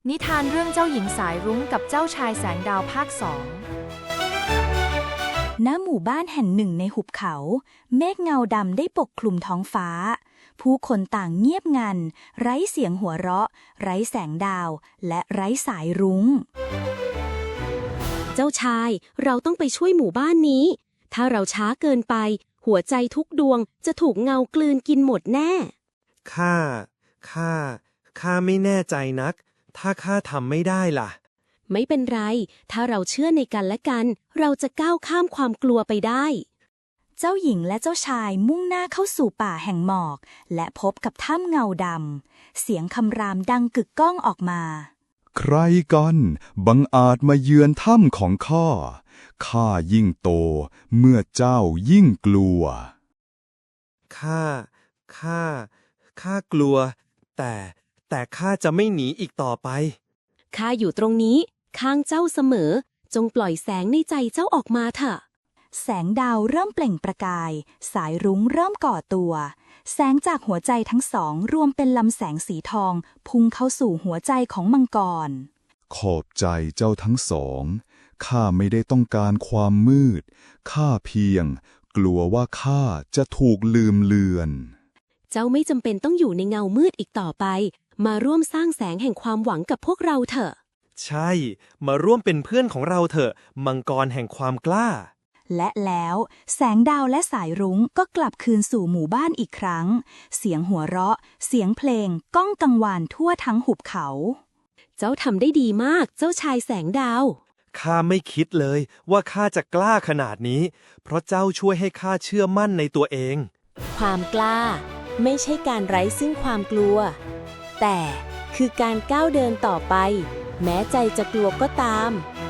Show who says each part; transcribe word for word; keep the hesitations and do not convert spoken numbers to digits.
Speaker 1: นิทานเรื่องเจ้าหญิงสายรุ้งกับเจ้าชายแสงดาวภาคสอง
Speaker 2: ณ หมู่บ้านแห่งหนึ่งในหุบเขา เมฆเงาดำได้ปกคลุมท้องฟ้า ผู้คนต่างเงียบงัน ไร้เสียงหัวเราะ ไร้แสงดาว และไร้สายรุ้ง
Speaker 3: เจ้าชาย เราต้องไปช่วยหมู่บ้านนี้ ถ้าเราช้าเกินไป หัวใจทุกดวงจะถูกเงากลืนกินหมดแน่
Speaker 4: ข้า ข้า ข้าไม่แน่ใจนัก ถ้าข้าทำไม่ได้ล่ะ
Speaker 3: ไม่เป็นไร ถ้าเราเชื่อในกันและกัน เราจะก้าวข้ามความกลัวไปได้
Speaker 2: เจ้าหญิงและเจ้าชายมุ่งหน้าเข้าสู่ป่าแห่งหมอก และพบกับถ้ำเงาดำ เสียงคำรามดังกึกก้องออกมา
Speaker 5: ใครกันบังอาจมาเยือนถ้ำของข้า ข้ายิ่งโต เมื่อเจ้ายิ่งกลัว
Speaker 4: ข้า ข้า ข้ากลัว แต่ แต่ข้าจะไม่หนีอีกต่อไป
Speaker 3: ข้าอยู่ตรงนี้ ข้างเจ้าเสมอ จงปล่อยแสงในใจเจ้าออกมาเถอะ
Speaker 2: แสงดาวเริ่มเปล่งประกาย สายรุ้งเริ่มก่อตัว แสงจากหัวใจทั้งสองรวมเป็นลำแสงสีทอง พุ่งเข้าสู่หัวใจของมังกร
Speaker 5: ขอบใจเจ้าทั้งสอง ข้าไม่ได้ต้องการความมืด ข้าเพียง กลัวว่าข้าจะถูกลืมเลือน
Speaker 3: เจ้าไม่จำเป็นต้องอยู่ในเงามืดอีกต่อไป มาร่วมสร้างแสงแห่งความหวังกับพวกเราเถอะ
Speaker 4: ใช่ มาร่วมเป็นเพื่อนของเราเถอะ มังกรแห่งความกล้า
Speaker 2: และแล้วแสงดาวและสายรุ้งก็กลับคืนสู่หมู่บ้านอีกครั้ง เสียงหัวเราะ เสียงเพลงก้องกังวานทั่วทั้งหุบเขา
Speaker 3: เจ้าทำได้ดีมาก เจ้าชายแสงดาว
Speaker 4: ข้าไม่คิดเลยว่าข้าจะกล้าขนาดนี้ เพราะเจ้าช่วยให้ข้าเชื่อมั่นในตัวเอง
Speaker 6: ความกล้าไม่ใช่การไร้ซึ่งความกลัว แต่คือการก้าวเดินต่อไป แม้ใจจะกลัวก็ตาม